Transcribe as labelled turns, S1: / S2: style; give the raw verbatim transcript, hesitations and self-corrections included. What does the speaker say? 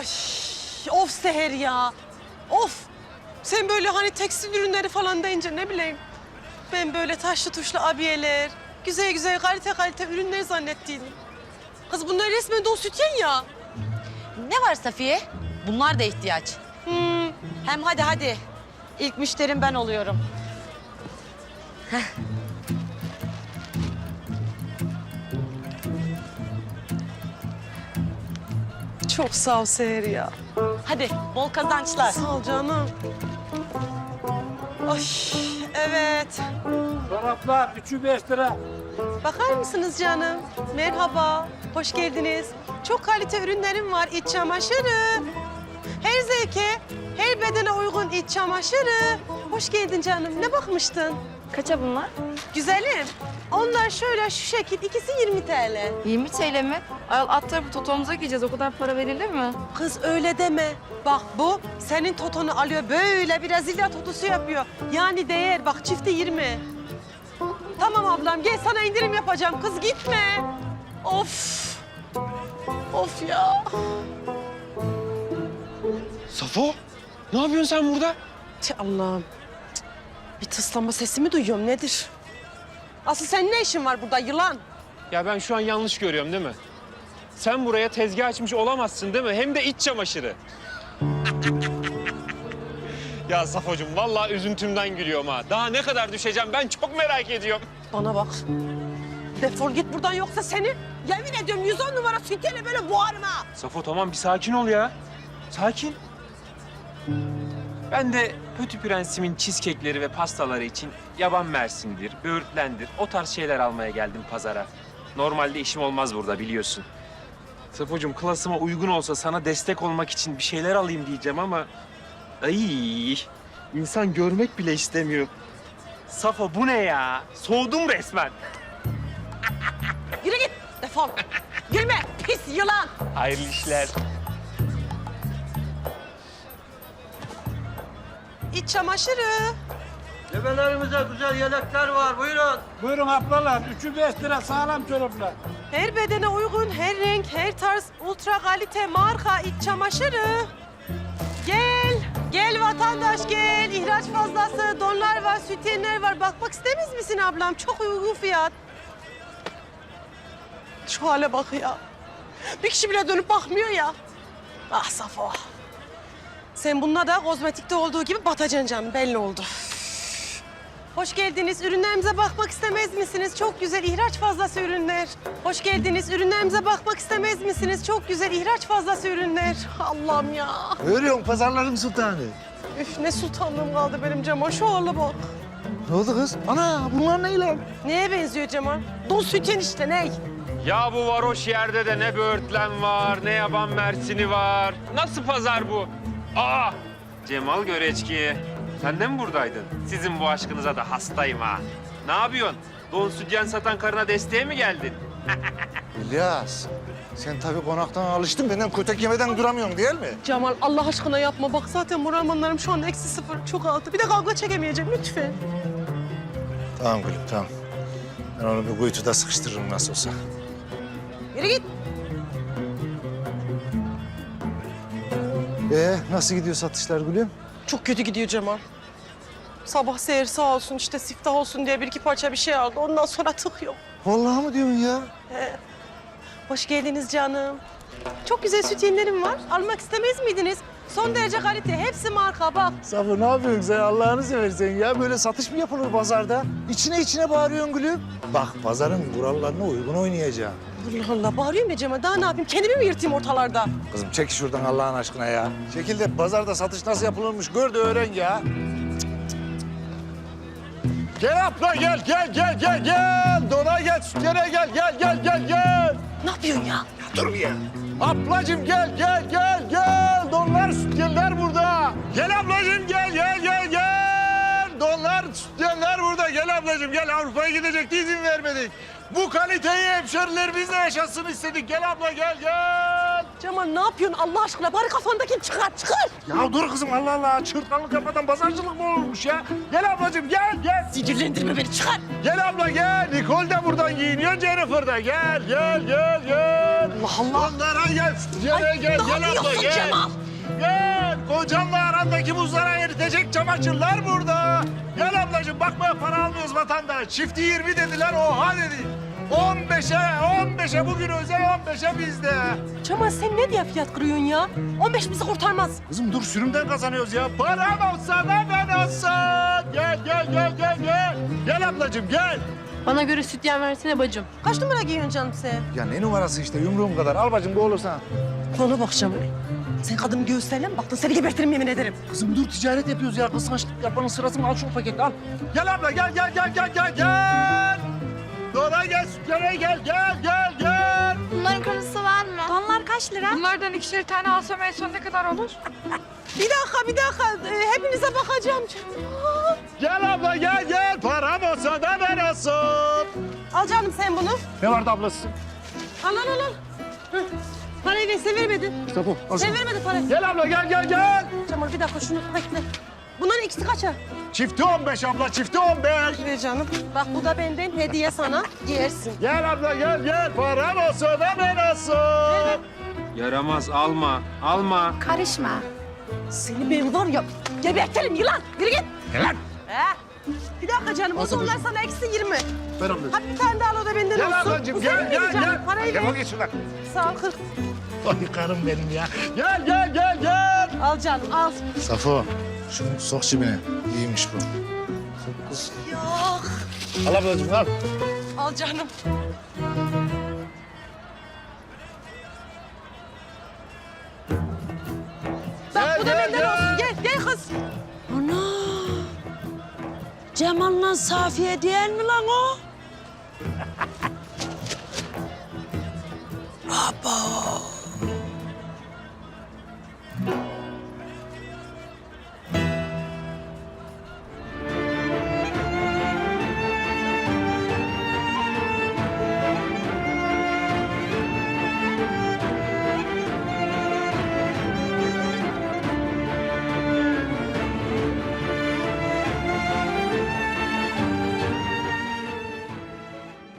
S1: of Seher ya. Of. Sen böyle hani tekstil ürünleri falan deyince ne bileyim. Ben böyle taşlı tuşlu abiyeler, güzel güzel kalite kalite ürünleri zannettiydim. Kız bunlar resmen don sütyen ya.
S2: Ne var Safiye? Bunlar da ihtiyaç.
S1: Hmm.
S2: Hem hadi hadi. İlk müşterim ben oluyorum.
S1: Çok sağ ol Seher ya.
S2: Hadi bol kazançlar.
S1: Sağ ol canım. Ay evet.
S3: Çoraplar üçü beş lira.
S1: Bakar mısınız canım? Merhaba, hoş geldiniz. Çok kalite ürünlerim var, iç çamaşırı. Her zevke, her bedene uygun iç çamaşırı. Hoş geldin canım, ne bakmıştın?
S4: Kaça bunlar?
S1: Güzelim, onlar şöyle şu şekil, ikisi yirmi TL.
S4: yirmi T L mi? Ayol alt tarafı totomuza giyeceğiz. O kadar para verilir mi?
S1: Kız öyle deme. Bak bu senin totonu alıyor, böyle bir Brezilya totosu yapıyor. Yani değer, bak çifti yirmi. Tamam ablam, gel sana indirim yapacağım. Kız gitme. Of. Of ya.
S5: Safo, ne yapıyorsun sen burada?
S1: Tih Allah'ım. Cık. Bir tıslanma sesi mi duyuyorum, nedir? Asıl senin ne işin var burada yılan?
S5: Ya ben şu an yanlış görüyorum değil mi? Sen buraya tezgah açmış olamazsın değil mi? Hem de iç çamaşırı. Ya Safocuğum vallahi üzüntümden gülüyorum ha. Daha ne kadar düşeceğim ben çok merak ediyorum.
S1: Bana bak. Defol git buradan yoksa seni yemin ediyorum yüz on numara sütyeyle böyle boğarım ha.
S5: Safo tamam bir sakin ol ya. Sakin. Ben de Pötü Prens'imin cheesecake'leri ve pastaları için yaban mersindir, böğürtlendir o tarz şeyler almaya geldim pazara. Normalde işim olmaz burada biliyorsun. Safocuğum klasıma uygun olsa sana destek olmak için bir şeyler alayım diyeceğim ama... Ay, insan görmek bile istemiyor. Safo bu ne ya? Soğudum resmen.
S1: Yürü git defol. Gülme pis yılan.
S5: Hayırlı işler.
S1: İç çamaşırı.
S6: Bebelerimize güzel yelekler var. Buyurun.
S3: Buyurun ablalar. Üçü beş lira sağlam çoraplar.
S1: Her bedene uygun, her renk, her tarz, ultra kalite marka iç çamaşırı. Gel, gel vatandaş gel. İhraç fazlası, donlar var, sütyenler var. Bakmak istemez misin ablam? Çok uygun fiyat. Şu hale bak ya. Bir kişi bile dönüp bakmıyor ya. Ah Safo. Sen bununla da kozmetikte olduğu gibi batacaksın canım, belli oldu. Hoş geldiniz. Ürünlerimize bakmak istemez misiniz? Çok güzel ihraç fazlası ürünler. Hoş geldiniz. Ürünlerimize bakmak istemez misiniz? Çok güzel ihraç fazlası ürünler. Allah'ım ya.
S6: Görüyorum pazarların sultanı.
S1: Üf ne sultanlığım kaldı benim Cemal. Şu hale bak.
S6: Ne oldu kız? Ana bunlar ne lan?
S1: Neye benziyor Cemal? Don sütyen işte ney?
S5: Ya bu varoş yerde de ne böğürtlen var, ne yaban mersini var. Nasıl pazar bu? Aa! Cemal Göreçki, sen de mi buradaydın? Sizin bu aşkınıza da hastayım ha. Ne yapıyorsun? Don sütyen satan karına desteğe mi geldin?
S6: İlyas, sen tabii konaktan alıştın. Benden kötek yemeden duramıyorsun değil mi?
S1: Cemal Allah aşkına yapma. Bak zaten moralmanlarım şu anda eksi sıfır. Çok altı. Bir de kavga çekemeyeceğim lütfen.
S6: Tamam gülüm, tamam. Ben onu bir kuytuda sıkıştırırım nasıl olsa.
S1: Yürü git.
S6: Ee, nasıl gidiyor satışlar gülüm?
S1: Çok kötü gidiyor Cemal. Sabah Seher sağ olsun işte siftah olsun diye bir iki parça bir şey aldı. Ondan sonra tık yok.
S6: Vallahi mı diyorsun ya?
S1: Hoş geldiniz canım. Çok güzel sütyenlerim var. Almak istemez miydiniz? Son derece kalite. Hepsi marka bak.
S6: Safo ne yapıyorsun sen Allah'ını seversen ya? Böyle satış mı yapılır pazarda? İçine içine bağırıyorsun gülüm. Bak pazarın kurallarına uygun oynayacağım.
S1: Allah Allah bağırıyorum ya Cemal. Daha ne yapayım? Kendimi mi yırtayım ortalarda?
S6: Kızım çek şuradan Allah'ın aşkına ya. Çekil de pazarda satış nasıl yapılırmış gör de öğren ya. Gel abla gel gel gel gel gel. Dona gel sütyene gel gel gel gel gel.
S1: Ne yapıyorsun ya?
S6: Dur bir ya. Ablacığım gel gel gel gel. Donlar sütyenler burada. Gel ablacığım gel gel gel gel. Donlar sütyenler burada. Gel ablacığım gel. Avrupa'ya gidecekti izin vermedik. Bu kaliteyi hemşerilerimizle yaşasın istedik. Gel abla gel gel.
S1: Cemal ne yapıyorsun Allah aşkına? Bari kafandakini çıkar, çıkar.
S6: Ya dur kızım Allah Allah. Çırtkanlık yapmadan pazarcılık mı olmuş ya? Gel ablacığım gel gel.
S1: Sinirlendirme beni, çıkar.
S6: Gel abla gel. Nicole de buradan giyiniyor, Jennifer da. Gel gel gel gel.
S1: Allah Allah.
S6: Onlara gel. Gel
S1: Ay,
S6: gel
S1: ne
S6: gel abla
S1: yapıyorsun
S6: gel.
S1: Cemal?
S6: Gel. Kocanla arandaki buzlara eritecek çamaşırlar burada. Gel ablacığım bakmaya para almıyoruz vatandaş. Çifti yirmi dediler oha dedi. on beşe, on beşe bugün özel on beşe bizde.
S1: Cemal sen ne diye fiyat kırıyorsun ya? on beş bizi kurtarmaz.
S6: Kızım dur sürümden kazanıyoruz ya. Param olsa da ben olsa. Gel gel gel gel gel. Gel ablacığım gel.
S4: Bana göre sütyen versene bacım.
S1: Kaç numara giyiyorsun canım sen?
S6: Ya ne numarası işte yumruğum kadar. Al bacım bu olursa.
S1: Bana bak Cemal. Sen kadının göğüslerine mi baktın? Seni gebertirim yemin ederim.
S6: Kızım dur ticaret yapıyoruz ya. Kıskançlık yapmanın sırası mı? Al şu paketi al. Gel abla gel gel gel gel gel gel. Dora gel sütyene gel gel gel gel.
S7: Bunların kırmızısı var mı? Donlar kaç lira?
S4: Bunlardan ikişer tane alsam en son ne kadar olur?
S1: Bir dakika, bir dakika. Ee, hepinize bakacağım. Cemal.
S6: Gel abla gel gel. Param olsa da ben olsun.
S1: Al canım sen bunu.
S6: Ne vardı ablası?
S1: Al, al, al. al. Hı. Parayı ver, sen vermedin.
S6: İşte bu. Al
S1: Sen
S6: şunu.
S1: vermedin parayı.
S6: Gel abla gel gel gel.
S1: Cemal bir dakika şunu bekle. Bunların ikisi kaça?
S6: Çifti on beş abla çifti on beş.
S1: Ver canım. Bak bu da benden hediye sana. Giyersin.
S6: Gel abla gel gel. Param olsa da ben olsun.
S5: Yaramaz, alma, alma.
S7: Karışma.
S1: Seni ben var ya gebertirim yılan. Yürü git.
S6: Gel lan.
S1: He. Bir dakika canım. O zaman sana eksi yirmi.
S6: Ver ablacığım.
S1: Hadi bir tane daha al o da benden
S6: Gel
S1: olsun.
S6: ablacığım
S1: Bu
S6: gel
S1: senin
S6: gel
S1: miydi canım?
S6: gel.
S1: Parayı
S6: Gel
S1: ver.
S6: bak şuradan.
S1: Sağ ol kırk.
S6: Ay karım benim ya. Gel gel gel gel.
S1: Al canım al.
S6: Safo şunu sok cebine. İyiymiş bu. Sok kız.
S1: Yok.
S6: Al ablacığım al.
S1: Al canım. Bak bu da benden olsun. Gel gel kız.
S8: Ana! Cemal'la Safiye değil mi lan o? Abo!